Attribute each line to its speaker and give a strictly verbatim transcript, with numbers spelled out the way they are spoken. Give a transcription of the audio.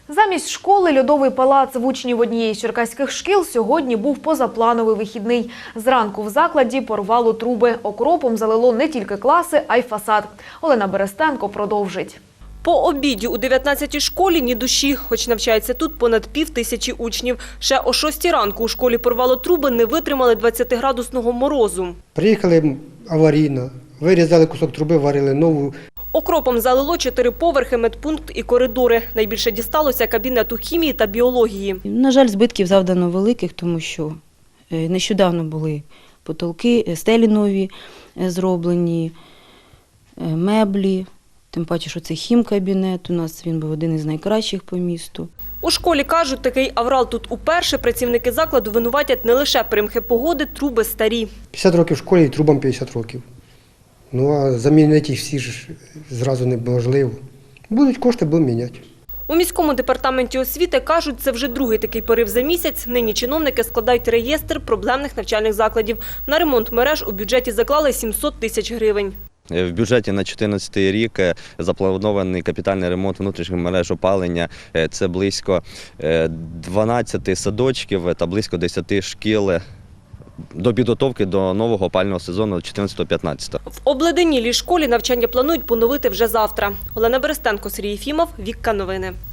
Speaker 1: Замість школи льодовий палац в учнів однієї з черкаських шкіл сьогодні був позаплановий вихідний. Зранку в закладі порвало труби. Окропом залило не тільки класи, а й фасад. Олена Берестенко продовжить.
Speaker 2: По обіді у дев'ятнадцятій школі ні душі, хоч навчається тут понад пів тисячі учнів. Ще о шостій ранку у школі порвало труби, не витримали двадцятиградусного морозу.
Speaker 3: Приїхали аварійно, вирізали кусок труби, варили нову.
Speaker 2: Окропом залило чотири поверхи, медпункт і коридори. Найбільше дісталося кабінету хімії та біології.
Speaker 4: На жаль, збитків завдано великих, тому що нещодавно були потолки, стелі нові зроблені, меблі. Тим паче, що це хімкабінет, у нас він був один із найкращих по місту.
Speaker 2: У школі кажуть, такий аврал тут уперше. Працівники закладу винуватять не лише примхи погоди, труби старі.
Speaker 3: п'ятдесят років в школі і трубам п'ятдесят років. Ну а замінити їх всі ж зразу неможливо. Будуть кошти, будемо міняти.
Speaker 2: У міському департаменті освіти кажуть, це вже другий такий порив за місяць. Нині чиновники складають реєстр проблемних навчальних закладів. На ремонт мереж у бюджеті заклали сімсот тисяч гривень.
Speaker 5: В бюджеті на чотирнадцятий рік запланований капітальний ремонт внутрішніх мереж опалення. Це близько дванадцяти садочків та близько десяти шкіл до підготовки до нового опалювального сезону чотирнадцятого-п'ятнадцятого.
Speaker 2: В обледенілій школі навчання планують поновити вже завтра. Олена Берестенко, Сергій Єфімов, Вікка Новини.